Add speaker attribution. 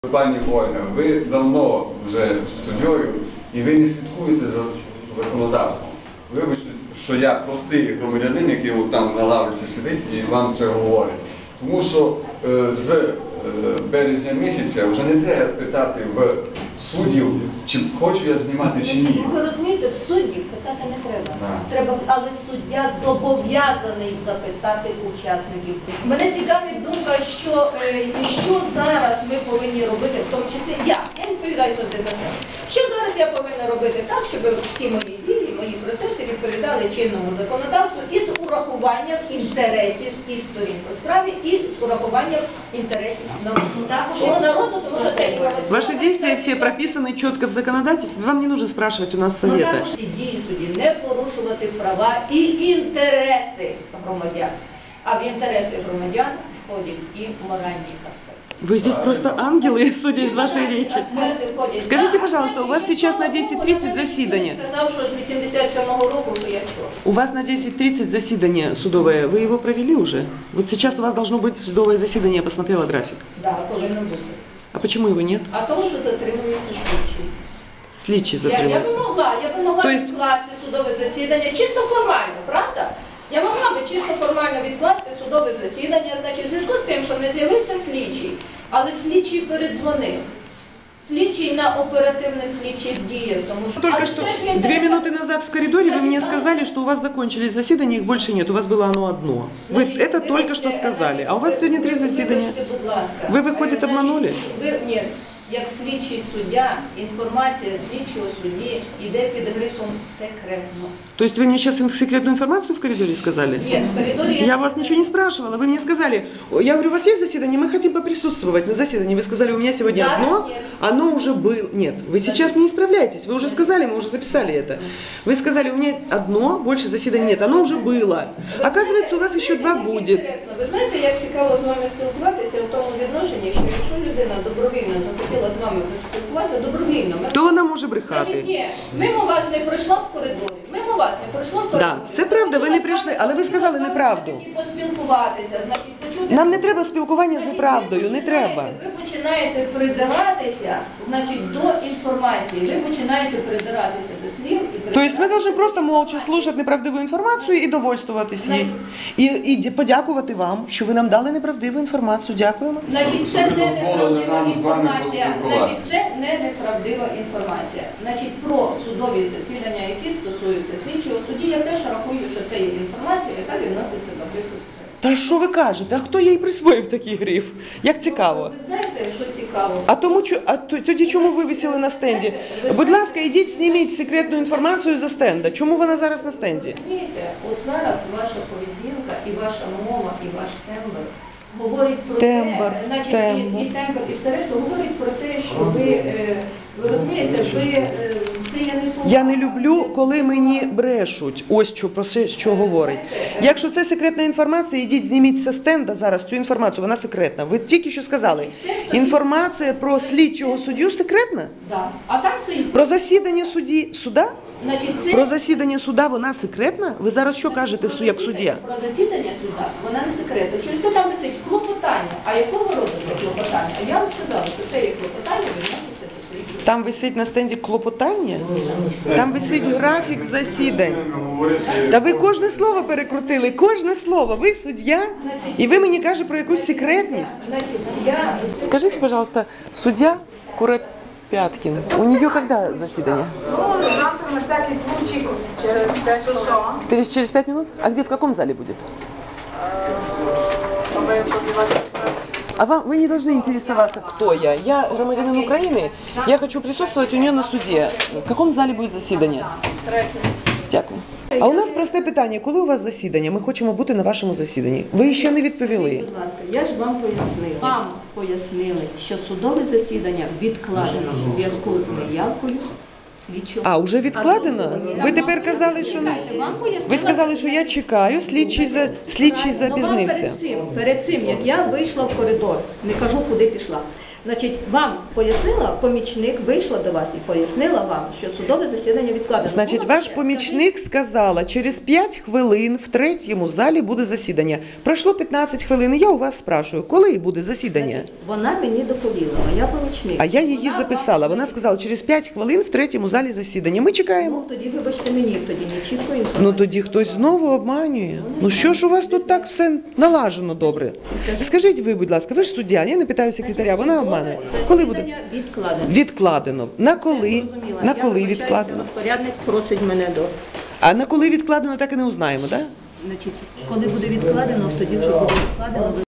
Speaker 1: Пані Ольга, ви давно вже суддею і ви не слідкуєте за законодавством. Вибачте, що я простий громадянин, який там на лавриці сидить і вам це говорить. Тому що з березня місяця вже не треба питати в суддів, чи хочу я знімати, чи ні.
Speaker 2: Ви розумієте, в суддів питати не треба. Але суддя зобов'язаний запитати учасників. Мене цікавить думка, що зараз ми повинні робити, в тому числі я відповідаю завжди за це. Що зараз я повинна робити так, щоб всі мої дії, мої процеси відповідали чинному законодавству і з урахуванням інтересів і сторін по справі, і з урахуванням інтересів народу, тому що це інформаційна...
Speaker 3: Ваши действия все прописаны четко в законодательстве, вам не нужно спрашивать у нас совета.
Speaker 2: Також дії судді не порушувати права і інтереси громадян. А в інтереси громадян входять і моральні аспекти.
Speaker 3: Вы здесь просто ангелы, судя из вашей речи. Скажите, пожалуйста, у вас сейчас на 10:30 засідання.
Speaker 2: Сказав, що з 87-го року, що я чого.
Speaker 3: У вас на 10:30 засідание судовое. Вы его провели уже? Вот сейчас у вас должно быть судовое заседание, я посмотрела график.
Speaker 2: Так, повинно бути.
Speaker 3: А почему его нет?
Speaker 2: А тому, що затримуються слідчі.
Speaker 3: Слідчі
Speaker 2: Я
Speaker 3: затримуються.
Speaker 2: би могла відкласти судове засідання чисто формально, правда? Я могла би чисто формально відкласти судове засідання, значить, в зв'язку з тим, що не з'явився слідчий, але слідчий передзвонив. Слідчий на оперативних слідчих діях, тому що...
Speaker 3: Только что 2 минуты назад в коридоре вы мне сказали, что у вас закончились засідания, их больше нет, у вас было оно одно. Вы это только что сказали, а у вас сегодня 3 засідания. Вы, выходит, обманули?
Speaker 2: Нет. Як слідчий суддя, інформація слідчого судді йде під грифом «секретно».
Speaker 3: То есть вы мне сейчас секретную информацию в коридоре сказали?
Speaker 2: Нет, в коридоре...
Speaker 3: Я вас ничего не спрашивала, вы мне сказали, я говорю, у вас есть заседание, мы хотим поприсутствовать на заседании. Вы сказали, у меня сегодня
Speaker 2: Зараз
Speaker 3: одно,
Speaker 2: нет.
Speaker 3: оно уже было. Нет, вы сейчас не исправляйтесь, вы уже сказали, мы уже записали это. Вы сказали, у меня одно, больше заседаний нет, оно уже было. Оказывается, у вас еще 2 будет.
Speaker 2: Ви знаєте, як цікаво з вами спілкуватися в тому відношенні, що якщо людина добровільно захотіла з вами поспілкуватися, добровільно...
Speaker 3: То вона може
Speaker 2: Значить,
Speaker 3: брехати.
Speaker 2: ні, мимо вас не пройшла в коридорі, мимо вас не пройшла в коридорі.
Speaker 3: Так, це правда, ви не прийшли, але ви сказали неправду.
Speaker 2: І поспілкуватися, значить, почути...
Speaker 3: Нам не треба спілкування з неправдою, не треба.
Speaker 2: Ви починаєте придиратися, значить, до інформації, ви починаєте придиратися до слів.
Speaker 3: То есть мы должны просто молча слушати неправдиву інформацію і довольствуватись її. І подякувати вам, що ви нам дали неправдиву інформацію. Дякуємо.
Speaker 2: Значить, це не
Speaker 1: дозволили нам з вами
Speaker 2: інформація.
Speaker 1: поспілкуватися.
Speaker 2: Значить, це не неправдива інформація. Значить, про судові засідання, які стосуються слідчого судді, я теж рахую, що це є інформація, яка відноситься до грифу секрету.
Speaker 3: Та що ви кажете? А хто їй присвоїв такий гриф? Як цікаво.
Speaker 2: Ви знаєте, що цікаво?
Speaker 3: Тоді чому ви висіли на стенді? Будь ласка, ідіть, зніміть секретну інформацію за стенда. Чому вона зараз на стенді?
Speaker 2: Розумієте, от зараз ваша поведінка і ваша мова, і ваш тембр говорить про
Speaker 3: Тембр,
Speaker 2: те, значить,
Speaker 3: тембр.
Speaker 2: і тембр, і все решта говорить про те, що ви розумієте, це є не повага.
Speaker 3: Я не люблю, коли мені брешуть. Ось що про це, що говорить. Якщо це секретна інформація, ідіть, зніміть зі стенда зараз цю інформацію, вона секретна. Ви тільки що сказали. Інформація про слідчого суддю секретна?
Speaker 2: Да. А там стоїть,
Speaker 3: Про засідання суда?
Speaker 2: значить, це...
Speaker 3: Про засідання суда вона секретна? Ви зараз що кажете, як суддя?
Speaker 2: Про засідання суда вона не секретна. Через те там висить клопотання. А якого роду це клопотання? А я вам сказала, що це є клопотання, відноситься до слідчого.
Speaker 3: Там висить на стенді клопотання? Там висить графік засідань. Та ви кожне слово перекрутили, кожне слово. Ви суддя, і ви мені кажете про якусь секретність.
Speaker 2: Значить, я...
Speaker 3: Скажите, пожалуйста, судья Куропяткин, у нее когда заседание?
Speaker 4: Ну, завтра на всякий случай через 5 часов.
Speaker 3: Через 5 минут? А где, в каком зале будет? А вы не должны интересоваться, кто я. Я громадянин Украины, я хочу присутствовать у нее на суде. В каком зале будет заседание? Дякую. А у нас просте питання. Коли у вас засідання? Ми хочемо бути на вашому засіданні. Ви ще не відповіли.
Speaker 2: Будь ласка, я ж вам пояснила. Вам пояснили, що судове засідання відкладено в зв'язку з неявкою слідчого.
Speaker 3: А, вже відкладено? Ви тепер казали, що не... Ви сказали, що я чекаю, слідчий запізнився.
Speaker 2: Перед цим, як я вийшла в коридор, не кажу, куди пішла. Значить, вам пояснила, помічник вийшла до вас і пояснила вам, що судове засідання відкладено.
Speaker 3: Значить,
Speaker 2: Було
Speaker 3: ваш
Speaker 2: таке?
Speaker 3: помічник сказала, через 5 хвилин в третьому залі буде засідання. Пройшло 15 хвилин, і я у вас спрашую, коли буде засідання?
Speaker 2: Значить, вона мені доповіла, моя помічник.
Speaker 3: А я її
Speaker 2: Вона
Speaker 3: записала.
Speaker 2: вам-
Speaker 3: Вона сказала, через 5 хвилин в третьому залі засідання. Ми чекаємо.
Speaker 2: Ну, тоді, вибачте мені, тоді не чітко інформацію.
Speaker 3: Ну тоді хтось знову обманює. Ну що ж у вас тут так все налажено добре? Скажіть ви, будь ласка, ви ж суддя, я не питаю секретаря, вона обманює. Коли буде?
Speaker 2: Засідання відкладено.
Speaker 3: Відкладено. На коли?
Speaker 2: Зрозуміла.
Speaker 3: На
Speaker 2: Я
Speaker 3: коли
Speaker 2: вибачаюся,
Speaker 3: відкладено?
Speaker 2: розпорядник просить мене до.
Speaker 3: А на коли відкладено, так і не узнаємо, так?
Speaker 2: Значить, коли буде відкладено, тоді вже буде відкладено.